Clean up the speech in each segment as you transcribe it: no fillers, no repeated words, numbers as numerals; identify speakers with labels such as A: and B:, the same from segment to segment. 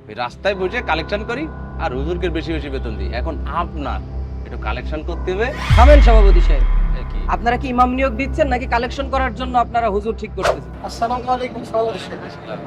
A: ওই রাস্তায় বসে কালেকশন করি আর হুজুরকে বেশি বেশি বেতন দিই। এখন আপনার একটু কালেকশন করতে হবে।
B: থামেন সভাপতি সাহেব,
A: কি
B: আপনারা কি ইমাম নিয়োগ দিচ্ছেন নাকি কালেকশন করার জন্য আপনারা হুজুর ঠিক করতেছেন?
C: আসসালামু আলাইকুম সভাপতি সাহেব।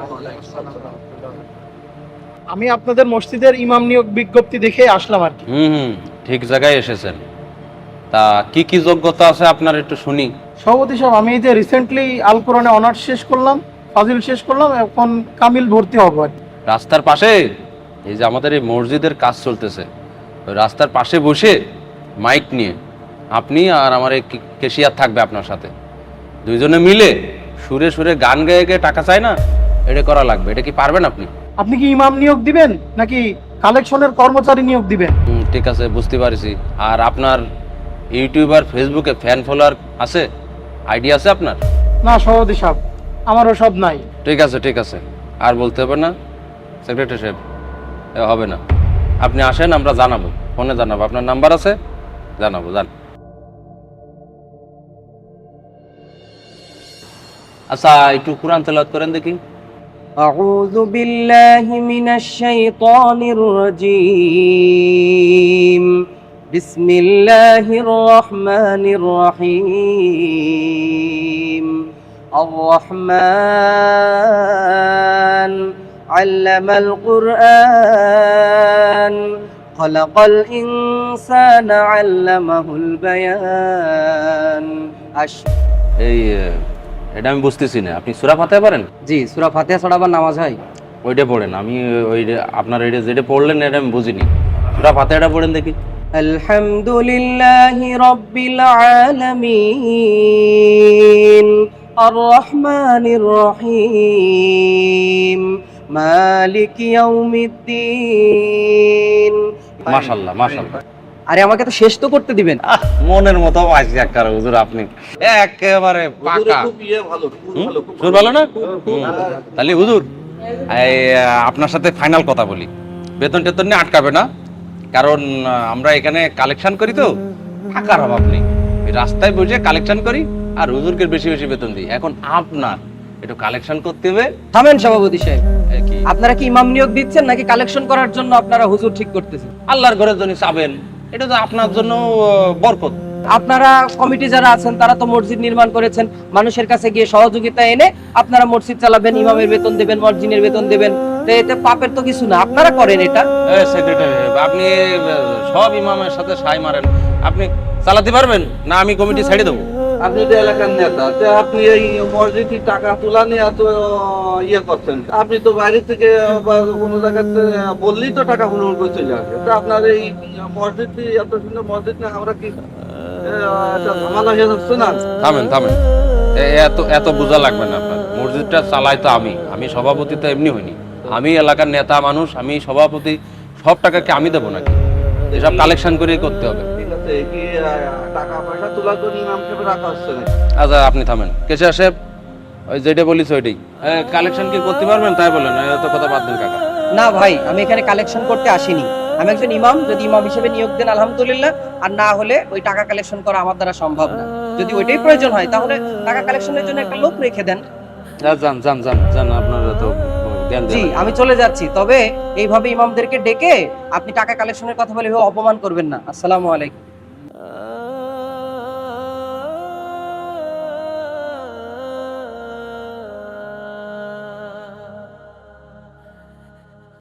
C: আমি আপনাদের মসজিদের ইমাম নিয়োগ বিজ্ঞপ্তি দেখে আসলাম আর কি।
A: ঠিক জায়গায় এসেছেন। তা কি কি যোগ্যতা আছে আপনার একটু শুনি।
C: সভাপতি সাহেব, আমি এই যে রিসেন্টলি আল কোরআনে অনার্স শেষ করলাম, ফাজিল শেষ করলাম, এখন কামিল ভর্তি হবো আর কি।
A: রাস্তার পাশে এই যে আমাদের এই মসজিদের কাজ চলতেছে, ওই রাস্তার পাশে বসে মাইক নিয়ে আপনি আর আমার এই কেশিয়ার থাকবে আপনার সাথে, দুইজনে মিলে সুরে সুরে গান গেয়ে গেয়ে টাকা চায় না, এটা করা লাগবে। এটা কি পারবেন আপনি?
C: আপনি কি ইমাম নিয়োগ দিবেন নাকি কালেকশনের কর্মচারী নিয়োগ দিবেন?
A: ঠিক আছে, বুঝতে পারছি। আর আপনার ইউটিউব আর ফেসবুকে ফ্যান ফলোয়ার আছে, আইডিয়া আছে আপনার?
C: না সভাপতি সাহেব, আমারও সব নাই।
A: ঠিক আছে ঠিক আছে, আর বলতে হবে না সেক্রেটারি সাহেব, হবে না। আপনি আসেন, আমরা জানাবো, ফোনে জানাবো। আপনার নাম্বার আছে, জানাবো। জান আচ্ছা, একটু কোরআন তেলাওয়াত করেন দেখি।
B: أعوذ بالله من الشيطان الرجيم بسم الله الرحمن الرحيم الرحمن علم القرآن خلق الإنسان علمه البيان
A: এই এটা আমি বুঝতেছি না, আপনি সূরা ফাতিহা পারেন?
B: জি, সূরা ফাতিহা ছাড়া আবার নামাজ হয়?
A: ওইটা পড়েন। আমি ওই আপনার এটা যেটা পড়লেন এটা আমি বুঝিনি। সূরা ফাতিহাটা পড়েন দেখি।
B: আলহামদুলিল্লাহি রাব্বিল আলামিন আর-রাহমানির রহিম মালিকি ইয়াউমিদ্দিন।
A: মাশাআল্লাহ মাশাআল্লাহ।
B: আরে আমাকে তো শেষ তো করতে দিবেন।
A: মনের মতো আছি একবার হুজুর, আপনি একেবারে পাকা। সুর ভালো না? তাহলে হুজুর এই আপনার সাথে ফাইনাল কথা বলি, বেতন টেতন নিয়ে আটকাবে না, কারণ আমরা এখানে কালেকশন করি তো, টাকার অভাব নেই। এই রাস্তায় বসে কালেকশন করি আর হুজুরকে বেশি বেশি বেতন দিই। এখন আপনার একটু কালেকশন করতে হবে।
B: থামেন সভাপতি সাহেব,
A: কি
B: আপনারা কি ইমাম নিয়োগ দিচ্ছেন নাকি কালেকশন করার জন্য আপনারা হুজুর ঠিক করতেছেন?
A: আল্লাহর ঘরের জন্য চাবেন, এটা তো আপনার জন্য বরকত।
B: আপনারা কমিটি যারা আছেন তারা তো মসজিদ নির্মাণ করেছেন, মানুষের কাছে গিয়ে সহযোগিতা এনে আপনারা মসজিদ চালাবেন, ইমামের বেতন দেবেন, মসজিদের বেতন দেবেন, তো এতে পাপের তো কিছু না, আপনারা করেন এটা।
A: সেক্রেটারি, আপনি সব ইমামের সাথে সাই মারেন, আপনি চালাতে পারবেন না? আমি কমিটি ছেড়ে দেবো।
D: আপনি তো এলাকার নেতা, আপনি এই মসজিদের টাকা তোলা নিয়ে এত ইয়ে করছেন। আপনি তো বাইরে থেকে বা কোনো জায়গাতে বললেই তো টাকা হুড় করে চলে আসবে। তো আপনার এই মসজিদ, এত সুন্দর মসজিদ না, আমরা কি ঝামেলা হয়ে যাচ্ছে না?
A: থামেন থামেন, এত এত বোঝা লাগবে না আপনার। মসজিদটা চালাই তো আমি সভাপতি তো এমনি হইনি। আমি এলাকার নেতা মানুষ, আমি সভাপতি, সব টাকাকে আমি দেবো নাকি? এসব কালেকশন করেই করতে হবে।
D: ঠিক আছে, কি টাকা পয়সা তোলার জন্য ইমাম সাহেব রাখা হচ্ছে না?
A: আচ্ছা আপনি থামেন, কেশিয়া সাহেব, ওই যেটা বলিস ওইটাই কালেকশন কি করতে পারবেন তাই বলেন, এত কথা বাদ দেন কাকা।
B: না ভাই, আমি এখানে কালেকশন করতে আসিনি, আমি একজন ইমাম। যদি ইমাম হিসেবে নিয়োগ দেন আলহামদুলিল্লাহ, আর না হলে ওই টাকা কালেকশন করা আমার দ্বারা সম্ভব না। যদি ওইটাই প্রয়োজন হয় তাহলে টাকা কালেকশনের জন্য একটা লোক রেখে দেন।
A: যান যান যান যান, আপনার তো জ্ঞান
B: জি,
A: দেন।
B: আমি চলে যাচ্ছি, তবে এইভাবে ইমামদেরকে ডেকে আপনি টাকা কালেকশনের কথা বলে অপমান করবেন না। আসসালামু আলাইকুম।